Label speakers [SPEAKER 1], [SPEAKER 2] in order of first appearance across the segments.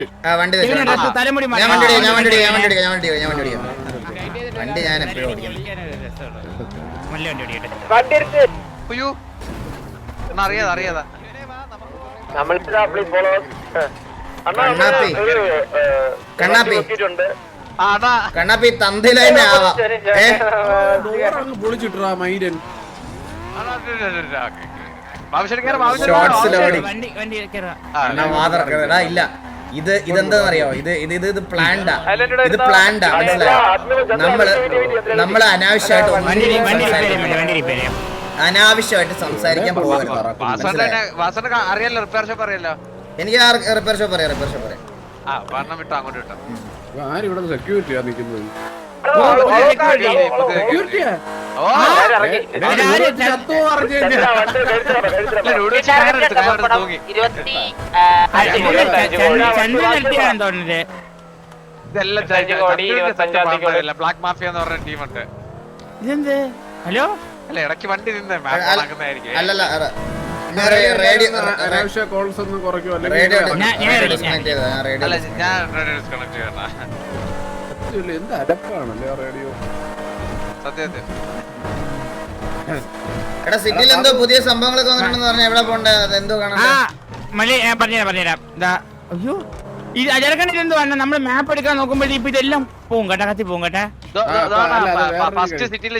[SPEAKER 1] വണ്ടി ഞാൻ എപ്പോഴും ഓടിക്കാം. കണ്ണാപ്പി തന്തയിലെ ആവാം.
[SPEAKER 2] പൊളിച്ചിട്ടാ മൈരൻ
[SPEAKER 1] ഇല്ല ഇതെന്താന്നറിയോ, ഇത് പ്ലാൻഡാ, ഇത് പ്ലാൻഡാ, മനസ്സിലായോ? നമ്മള് അനാവശ്യമായിട്ട് സംസാരിക്കാൻ പോകരുത്. എനിക്ക് റിപ്പയർ ഷോപ്പ് അറിയാം.
[SPEAKER 2] ആരിവിടെ സെക്യൂരിറ്റിയാ നിക്കുന്നത്?
[SPEAKER 3] ബ്ലാക്ക് മാഫിയ എന്ന് പറഞ്ഞ ടീമുണ്ട്.
[SPEAKER 4] ഹലോ
[SPEAKER 3] അല്ല ഇടയ്ക്ക് വണ്ടി നിന്ന്
[SPEAKER 1] അല്ലല്ല
[SPEAKER 2] അനാവശ്യ കോൾസ് ഒന്നും കുറയ്ക്കും.
[SPEAKER 3] അല്ല ഞാൻ ഡിസ്കണക്ട് ചെയ്യണ
[SPEAKER 2] എന്ത് അലപ്പാണല്ലേ റേഡിയോ.
[SPEAKER 3] സത്യത്തിൽ
[SPEAKER 1] എടാ സിറ്റിയിൽ എന്തോ പുതിയ സംഭവങ്ങളൊക്കെ വന്നിട്ടുണ്ടെന്ന് പറഞ്ഞാൽ എവിടെ പോണ്ടേ? എന്തോ കാണാൻ
[SPEAKER 4] പറഞ്ഞുതരാം. അയ്യോ ഇത് അജർക്കണിൽ എന്തോ വന്ന നമ്മള് മാപ്പ് എടുക്കാൻ നോക്കുമ്പോഴേ ഇപ്പൊ ഇതെല്ലാം പോകും കേട്ടാ, കത്തി പോകും കേട്ടാ.
[SPEAKER 3] ഫസ്റ്റ് സിറ്റിയിൽ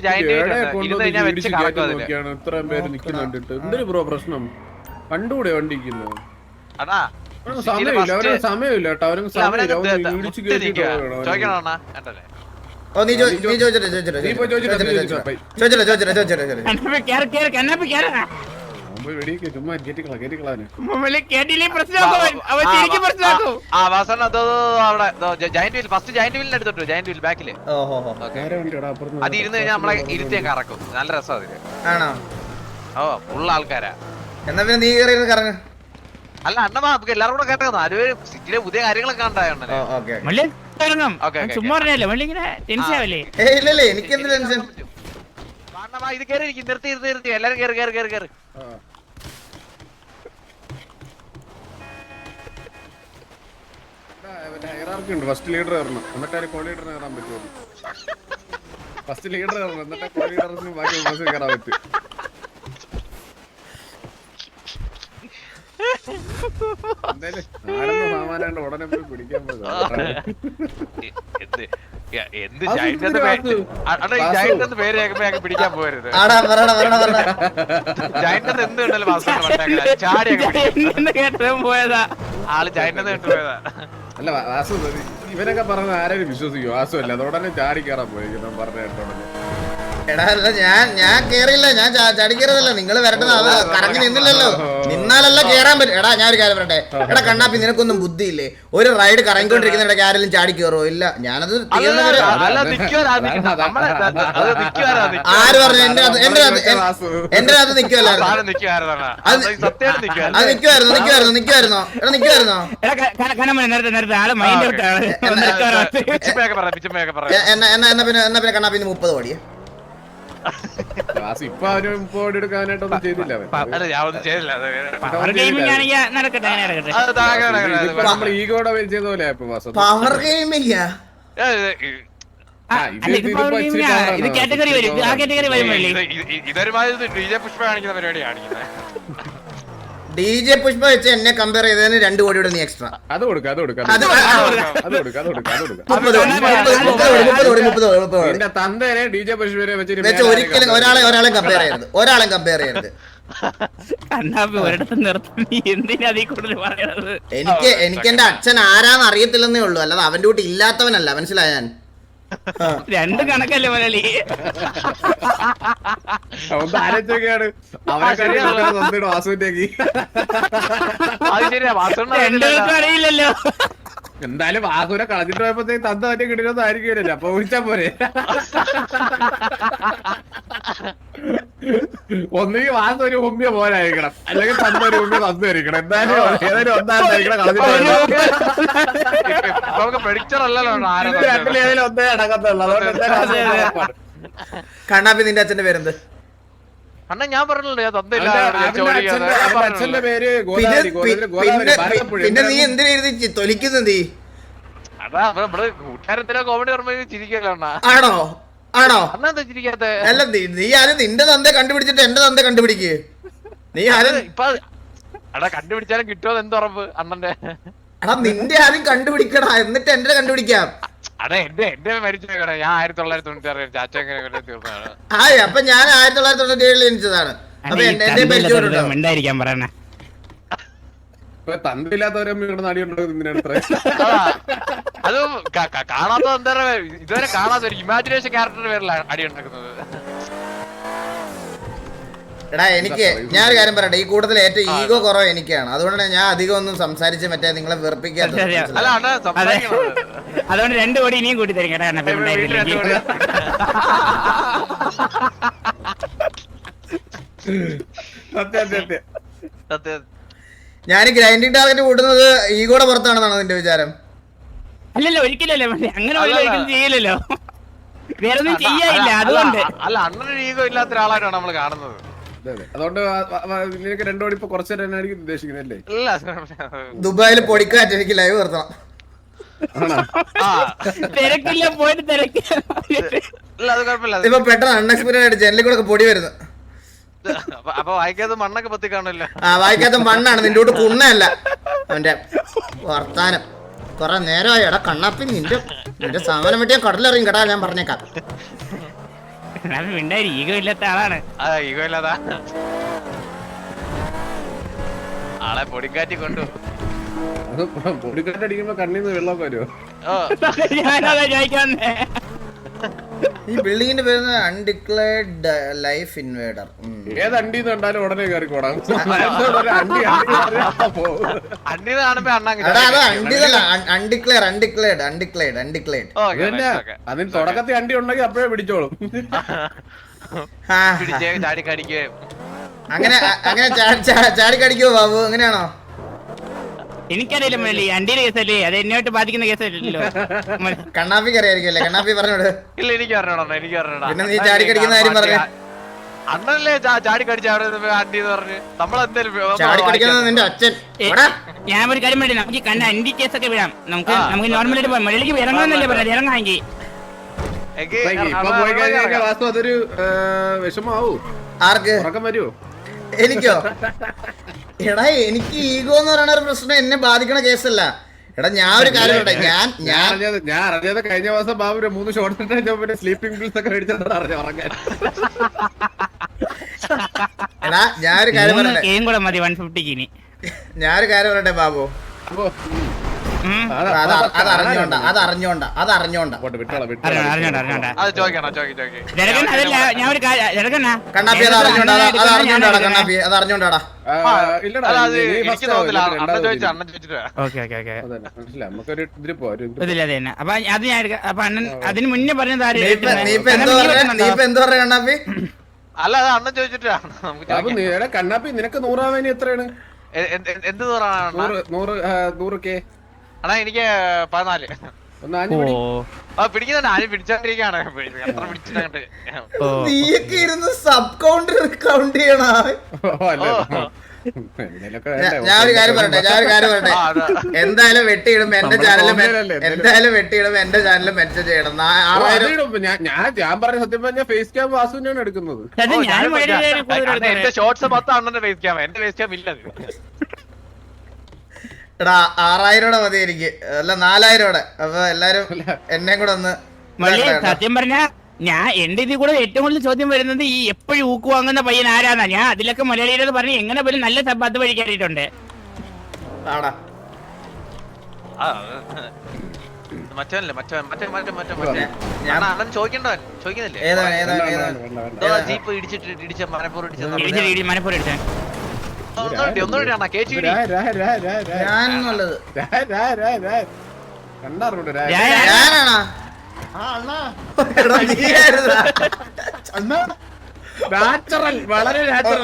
[SPEAKER 2] ഇത്രയും പേര് നിക്കുന്നുണ്ടിട്ട് എന്തൊരു ബ്രോ പ്രശ്നം? കണ്ടുകൂടെ വണ്ടിക്കുന്നു? സമയമില്ല, അവർക്ക് സമയമില്ല കേട്ടോ. അവർക്ക് സമയമില്ല. ഇടിച്ചു കേട്ടിട്ട്
[SPEAKER 3] ഫസ്റ്റ് ജയന്റ് വീലിന് എടുത്തിട്ടു. ജയന്റ് വീൽ ബാക്കില് അത് ഇരുന്ന് കഴിഞ്ഞാൽ നമ്മളെ ഇരുത്തിയൊക്കെ കറക്കും. നല്ല രസം അതില്. ഓ ഫുൾ ആൾക്കാരാ.
[SPEAKER 1] എന്നാ പിന്നെ നീ കറങ്ങ.
[SPEAKER 3] അല്ല അണ്ണമാ നമുക്ക് എല്ലാവരും കൂടെ കേട്ടോ. അത് സിറ്റിയിലെ പുതിയ കാര്യങ്ങളൊക്കെ ഉണ്ടായോണ്ടല്ലേ.
[SPEAKER 1] എനിക്കെന്ത് ടെൻഷൻ?
[SPEAKER 3] ഇത് കയറി നിർത്തി എല്ലാരും കയറി.
[SPEAKER 2] ഫസ്റ്റ് ലീഡർ കയറണം, എന്നിട്ട് കോ ലീഡറിന് കയറാൻ പറ്റുള്ളൂ. ഫസ്റ്റ് ലീഡർ കയറണം, എന്നിട്ട് കോ ലീഡറിന് ബാക്കി ബസ് കയറാൻ പറ്റും. എന്തായാലും ആരെന്ന് സാമാനാണ്ട് ഉടനെ പോയി പിടിക്കാൻ പോകും.
[SPEAKER 3] എന്ത് ജയന്റ് പേര് പിടിക്കാൻ പോരുത്. ജയന്റ് എന്ത് ഉണ്ടല്ലോ പോയതാ ആള് ജയന്റ് കേട്ട് പോയതാ.
[SPEAKER 2] അല്ല വാസു ഇവനൊക്കെ പറഞ്ഞ ആരെയും വിശ്വസിക്കും? വാസു അല്ല, അതോടനെ ചാടി കയറാൻ പോയിരിക്കും പറഞ്ഞ കേട്ടോടനെ.
[SPEAKER 1] എടാ അല്ല ഞാൻ കേറിയില്ല, ഞാൻ ചാടി കയറിയതല്ല. നിങ്ങൾ വരേണ്ടത് അത് കറങ്ങി നിന്നില്ലല്ലോ. നിന്നാലല്ല കേറാൻ പറ്റും. എടാ ഞാൻ ഒരു കാര്യം പറയട്ടെ. എടാ കണ്ണാപ്പി നിനക്കൊന്നും ബുദ്ധിയില്ലേ? ഒരു റൈഡ് കറങ്ങിക്കൊണ്ടിരിക്കുന്ന ഇടയ്ക്ക് ആരെങ്കിലും ചാടി കയറോ? ഇല്ല, ഞാനത് ആര് പറഞ്ഞു? എന്റെ അത് നിക്കുവല്ലായിരുന്നു. അത് നിക്കുവായിരുന്നോ? എടാ നിക്കുവായിരുന്നോ? എന്നാ പിന്നെ കണ്ണാപ്പി 30 കോടിയെ
[SPEAKER 2] ഇപ്പൊ അവന് 30 കോടി എടുക്കാനായിട്ടൊന്നും ചെയ്തില്ല. നമ്മൾ ഈഗോടെ ചെയ്ത പോലെ
[SPEAKER 1] പവർ ഗെയിമില്ല.
[SPEAKER 3] ഇതൊരുമാതിരി DJ പുഷ്പ കാണിക്കുന്ന പരിപാടി കാണിക്കുന്നത്.
[SPEAKER 1] DJ പുഷ്പ വെച്ച് എന്നെ കമ്പയർ ചെയ്തതിന് 2 കോടിയുടെ നീ എക്സ്ട്രാ
[SPEAKER 2] അത് കൊടുക്കാം. തന്തേനെ DJ പുഷ്പനെ വെച്ച്
[SPEAKER 1] ഒരിക്കലും ഒരാളെ കമ്പയർ ചെയ്യരുത്. എനിക്ക് എന്റെ അച്ഛൻ ആരാന്ന് അറിയത്തില്ലെന്നേ ഉള്ളൂ, അല്ലാതെ അവന്റെ കൂട്ടി ഇല്ലാത്തവനല്ല. മനസ്സിലായ? ഞാൻ
[SPEAKER 4] രണ്ട് കണക്കല്ലേ മലയാളി.
[SPEAKER 2] ആലോചിച്ചൊക്കെയാണ്
[SPEAKER 4] അറിയില്ലല്ലോ.
[SPEAKER 2] എന്തായാലും വാസുവിനെ കളഞ്ഞിട്ട് പോയപ്പോഴത്തേക്ക് തന്ത മറ്റേ കിട്ടിയൊന്നും ആയിരിക്കുമല്ലോ. അപ്പൊ വിളിച്ചാ പോരെ. ഒന്നുകിൽ വാസു ഒരു ഉമ്മിയ പോലായിരിക്കണം, അല്ലെങ്കിൽ തന്ന ഒരു ഉമ്മിയ തന്നിരിക്കണം. എന്തായാലും ഏതായാലും ഒന്നായിരിക്കണം കളഞ്ഞിട്ട് രണ്ടിലേതിലും ഒന്നേ അടക്കത്തുള്ളൂ. അതുകൊണ്ട്
[SPEAKER 1] കണ്ണാപ്പി നിന്റെ അച്ഛന്റെ പേരെന്ത്?
[SPEAKER 3] അണ്ണ ഞാൻ പറഞ്ഞല്ലോ ഞാൻ തന്നില്ല
[SPEAKER 2] അച്ഛന്റെ പേര്
[SPEAKER 1] പിന്നെ നീ എന്തിനാ തൊലിക്കുന്നത് നീ?
[SPEAKER 3] അതാ നമ്മള് കൂട്ടുകാരത്തിലോ കോമഡി ഓർമ്മ ചിരിക്കല്ലോ അണ്ണ.
[SPEAKER 1] ആണോ ആണോ?
[SPEAKER 3] അണ്ണ എന്താ ചിരിക്കാത്ത?
[SPEAKER 1] അല്ല നീ ആരും നിന്റെ തന്തെ കണ്ടുപിടിച്ചിട്ട് എന്റെ തന്തെ കണ്ടുപിടിക്ക്. നീ ആരും
[SPEAKER 3] ഇപ്പൊ അടാ കണ്ടുപിടിച്ചാലും കിട്ടുമോ എന്ത് ഉറപ്പ് അണ്ണന്റെ?
[SPEAKER 1] എടാ നിന്റെ ആദ്യം കണ്ടുപിടിക്കടാ, എന്നിട്ട് എന്റെ കണ്ടുപിടിക്കാം.
[SPEAKER 3] അതെ എന്റെ മരിച്ചേക്കണേ. ഞാൻ 1996 ചാച്ച എങ്ങനെ തീർന്നതാണ്.
[SPEAKER 1] അപ്പൊ ഞാൻ 1997 ജനിച്ചതാണ്. അപ്പൊ എന്റെ പരിചയം
[SPEAKER 4] മിണ്ടായിരിക്കാൻ പറയണേ.
[SPEAKER 2] തന്തില്ലാത്തവരമ്മ ഇവിടെ നടിയുണ്ടോ എന്തിനാണ്
[SPEAKER 3] അത് കാണാത്ത എന്താ ഇതുവരെ കാണാത്ത ഒരു ഇമാജിനേഷൻ ക്യാരക്ടറിന്റെ പേരിലാണ് അടി ഉണ്ടാക്കുന്നത്.
[SPEAKER 1] എടാ എനിക്ക് ഞാനൊരു കാര്യം പറയട്ടെ, ഈ കൂട്ടത്തിൽ ഏറ്റവും ഈഗോ കുറവ് എനിക്കാണ്. അതുകൊണ്ടാണ് ഞാൻ അധികം ഒന്നും സംസാരിച്ച് മറ്റേ നിങ്ങളെ വെറുപ്പിക്കാത്തത്.
[SPEAKER 3] അല്ല അണ്ണ സംസാരിക്കണം.
[SPEAKER 4] അതുകൊണ്ട് 2 കോടി ഇനിയും കൂട്ടി തരും കേട്ടോ.
[SPEAKER 1] ഞാൻ ഗ്രൈൻഡിങ് ടാർഗറ്റ് കൂട്ടുന്നത് ഈഗോടെ പുറത്താണെന്നാണ് നിന്റെ വിചാരം?
[SPEAKER 4] അല്ലല്ലോ, ഒരിക്കലല്ലേ അങ്ങനെ ഒരിക്കലും ചെയ്യില്ലല്ലോ. വേറെ ഒന്നും ചെയ്യാനില്ല അതുകൊണ്ട്.
[SPEAKER 3] അല്ല അണ്ണനൊരു ഈഗോ ഇല്ലാത്ത ഒരാളായിട്ടാണ് നമ്മൾ കാണുന്നത്.
[SPEAKER 2] അതുകൊണ്ട് നിനക്ക് 2 കോടി ഇപ്പൊ കുറച്ചു തരാനായിരിക്കും ഉദ്ദേശിക്കുന്നല്ലേ?
[SPEAKER 1] ദുബായിൽ പൊടിക്കാറ്റ് എനിക്ക് ലൈവ് നിർത്തണം.
[SPEAKER 4] തിരക്കില്ല, പോയിട്ട് തിരക്കില്ല.
[SPEAKER 3] അത് കുഴപ്പമില്ല.
[SPEAKER 1] ഇപ്പൊ പെട്ടെന്ന് അൺഎക്സ്പെക്ടഡ് ആയിട്ട് ജനലിൽ കൂടെ പൊടി വരുന്നു.
[SPEAKER 3] അപ്പൊ വായിക്കാത്ത മണ്ണൊക്കെ പത്തി കാണല്ലോ.
[SPEAKER 1] വായിക്കാത്ത മണ്ണാണ്, നിന്റെ കൂട്ട് കുണ്ണയല്ല. അവന്റെ വർത്താനം കൊറേ നേരമായി. എടാ കണ്ണാപ്പി, നിന്റെ സാമാനം വെട്ടിയാ കടലറിയും കേട്ടാ, ഞാൻ പറഞ്ഞേക്കാം.
[SPEAKER 4] ഈഗോ ഇല്ലാത്ത ആളാണ്.
[SPEAKER 3] ഈഗോ ഇല്ലാതാ ആളെ പൊടിക്കാറ്റി കൊണ്ടു.
[SPEAKER 2] പൊടിക്കാറ്റടിക്കുമ്പോ കണ്ണീന്ന് വെള്ളമൊക്കെ വരുമോ?
[SPEAKER 4] ഞാനതാ ചോദിക്കാന്നേ.
[SPEAKER 1] ഈ ബിൽഡിങ്ങിന്റെ പേര് അൺഡിക്ലേർഡ് ലൈഫ് ഇൻവേഡർ.
[SPEAKER 2] ഏത് അണ്ടിന്ന് കണ്ടാലും ഉടനെ കയറിക്കോടാം. അതിന് തുടക്കത്തിൽ അണ്ടി ഉണ്ടെങ്കിൽ അപ്പോഴേ പിടിച്ചോളും.
[SPEAKER 1] അങ്ങനെ ചാടിക്കടിക്കുവോ ബാബു? അങ്ങനെയാണോ?
[SPEAKER 4] എനിക്കറിയില്ല മുരളി, അണ്ടിയുടെ കേസല്ലേ, അത് എന്നോട്ട് ബാധിക്കുന്ന കേസല്ലല്ലോ.
[SPEAKER 1] കണ്ണാപ്പിക്ക് അറിയായിരിക്കുമല്ലേ? കണ്ണാപ്പി പറഞ്ഞോട്.
[SPEAKER 3] ഇല്ല എനിക്ക് അറിഞ്ഞോടാ, എനിക്ക് അറിഞ്ഞോടാ.
[SPEAKER 1] പിന്നെ നീ ചാടിക്കടിക്കുന്ന കാര്യം പറഞ്ഞു.
[SPEAKER 3] അണ്ണനല്ലേ ചാടിക്കടിച്ച അണ്ടി എന്ന് പറഞ്ഞ് നമ്മളെന്തേലും
[SPEAKER 1] ചാടിക്കടിക്കുന്നത് നിന്റെ അച്ഛൻ.
[SPEAKER 4] ഞാൻ ഒരു കാര്യം പറയട്ടെ, നമുക്ക് കണ്ട അണ്ടി കേസൊക്കെ വിടാം. നമുക്ക് നോർമലായിട്ട് പോകാം. മുരളിക്ക് ഇറങ്ങാന്നല്ലേ പറഞ്ഞത്, ഇറങ്ങാമെങ്കിൽ.
[SPEAKER 2] ഇപ്പൊ പോയി കഴിഞ്ഞാൽ വാസ്തു അതൊരു വിഷമാവൂ.
[SPEAKER 1] ആർക്ക്?
[SPEAKER 2] വരുമോ?
[SPEAKER 1] എനിക്കോ? എടാ എനിക്ക് ഈഗോ എന്ന് പറയുന്ന ഒരു പ്രശ്നം എന്നെ ബാധിക്കണ കേസല്ല. എടാ ഞാൻ ഒരു കാര്യം പറയട്ടെ, ഞാൻ
[SPEAKER 2] അറിഞ്ഞത് കഴിഞ്ഞ മാസം ബാബു 3 ഷോർട്ട് പിന്നെ സ്ലീപ്പിംഗ് പിൽസ് ഒക്കെ മേടിച്ചതാണ് ഉറങ്ങാൻ.
[SPEAKER 1] എടാ ഞാനൊരു കാര്യം പറയട്ടെ, ഞാനൊരു കാര്യം പറയട്ടെ ബാബു. അതറിഞ്ഞോണ്ടാ. കണ്ണാപ്പി അതറിഞ്ഞോണ്ടാടാ.
[SPEAKER 4] അതിന് മുന്നേ പറഞ്ഞത്
[SPEAKER 1] എന്തോ പറയാ കണ്ണാപ്പി?
[SPEAKER 3] അല്ല അത് അണ്ണൻ ചോദിച്ചിട്ടാ.
[SPEAKER 2] കണ്ണാപ്പി നിനക്ക് 100 എത്രയാണ്?
[SPEAKER 3] എന്ത് 100K? അണ്ണാ എനിക്ക് 14. പിടിക്കുന്നുണ്ട്, ആരും പിടിച്ചോണ്ടിരിക്കാണ്. എത്ര പിടിച്ചിട്ട്
[SPEAKER 1] നീയൊക്കെ ഇരുന്ന് സബ് കൗണ്ടർ കൗണ്ട് ചെയ്യണ. ഞാനൊരു കാര്യം പറയട്ടെ, എന്തായാലും വെട്ടിയിടുമ്പോ എന്റെ ചാനലും മെൻഷൻ ചെയ്യണം. 6000
[SPEAKER 2] ഞാൻ പറഞ്ഞ സത്യം പറഞ്ഞ ഫേസ് ക്യാം വാസുവിനാണ് എടുക്കുന്നത്.
[SPEAKER 3] എന്റെ ഷോർട്സ് 10 അണ്ണന്റെ ഫേസ് ക്യാം, എന്റെ ഫേസ് ക്യാം ഇല്ല.
[SPEAKER 1] എടാ 6000 മതി എനിക്ക്, അല്ല 4000. അപ്പൊ എല്ലാരും എന്നെ കൂടെ ഒന്ന്.
[SPEAKER 4] സത്യം പറഞ്ഞ ഞാൻ എന്റെ ഇതിൽ കൂടെ ഏറ്റവും കൂടുതൽ ചോദ്യം വരുന്നത് ഈ എപ്പോഴും ഊക്ക് വാങ്ങുന്ന പയ്യൻ ആരാന്നാ. ഞാൻ അതിലൊക്കെ മലയാളിയോട് പറഞ്ഞ് എങ്ങനെ പോലും നല്ല സബ്ബാത്ത് വഴി കയറിയിട്ടുണ്ട്.
[SPEAKER 3] അണ്ണൻ ചോദിക്കുന്നില്ലേ? ജീപ്പ് ഇടിച്ച മനപ്പൂർ ഇടിച്ച
[SPEAKER 2] നാച്ചുറൽ, വളരെ നാച്ചുറൽ.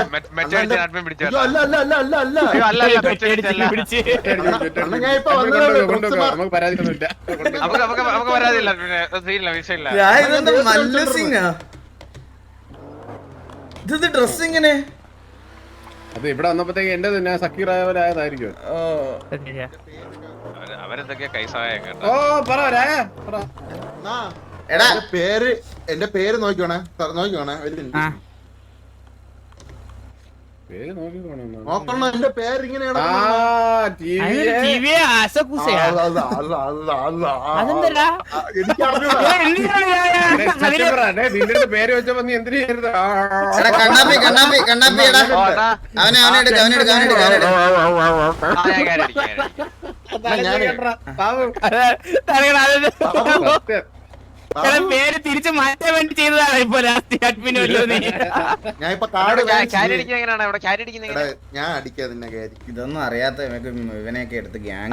[SPEAKER 2] നമുക്ക് പരാതിയൊന്നുമില്ല.
[SPEAKER 3] നമുക്ക് പരാതിയില്ല, പിന്നെ വിഷയമില്ല.
[SPEAKER 1] ഇത് ഡ്രസ് ഇങ്ങനെ
[SPEAKER 2] അത് ഇവിടെ വന്നപ്പോഴത്തേക്ക് എന്റെ തന്നെ സക്കീറായവരായതായിരിക്കും.
[SPEAKER 3] അവരെന്തൊക്കെയാ കൈസായ കേട്ടോ.
[SPEAKER 2] ഓ പറ രായ പറ.
[SPEAKER 1] എടാ
[SPEAKER 5] എന്റെ പേര് നോക്കിക്കോണേ
[SPEAKER 2] പേര് നോക്കി
[SPEAKER 5] നോക്കണം. എന്റെ പേര് ഇങ്ങനെ
[SPEAKER 2] നിന്റെ പേര് വെച്ചപ്പോ നീ എന്തിനു
[SPEAKER 1] എടാ കണ്ണാപ്പി കണ്ണാപ്പി കണ്ണാപ്പി എടാ അവനെടുക്ക
[SPEAKER 4] പേര് തിരിച്ചു മാറ്റാൻ വേണ്ടി ചെയ്തതാണ് ഇപ്പൊ ലാസ്റ്റ് അഡ്മിൻ.
[SPEAKER 5] ഞാൻ ഇപ്പൊ കാർഡ്
[SPEAKER 1] ഞാൻ അടിക്കാ നിന്നെ കാര്യം. ഇതൊന്നും അറിയാത്ത ഇവനെയൊക്കെ എടുത്ത് ഗ്യാങ്.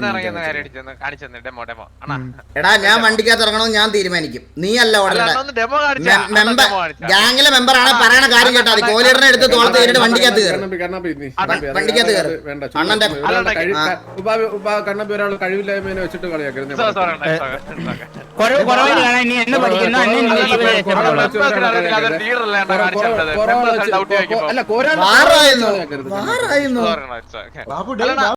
[SPEAKER 1] എടാ ഞാൻ വണ്ടിക്കകത്ത് ഇറങ്ങണമെന്ന് ഞാൻ തീരുമാനിക്കും, നീ അല്ല ഗ്യാങ്ങിലെ മെമ്പർ ആണ് പറയണ കാര്യം കേട്ടാ മതി. കോലീഡറിനെ എടുത്ത് തോളത്ത് കയറിട്ട് വണ്ടിക്കകത്ത് കയറി വണ്ടിക്കകത്ത് കയറി അണ്ണന്റെ
[SPEAKER 2] കണ്ണപ്പി ഒരാൾ കഴിവില്ലായ്മേനെ വെച്ചിട്ട് കളിയാക്കരുത്.
[SPEAKER 4] ഇനി എന്നെ പഠിക്കുന്നു
[SPEAKER 2] അല്ല
[SPEAKER 1] വാറായിരുന്നു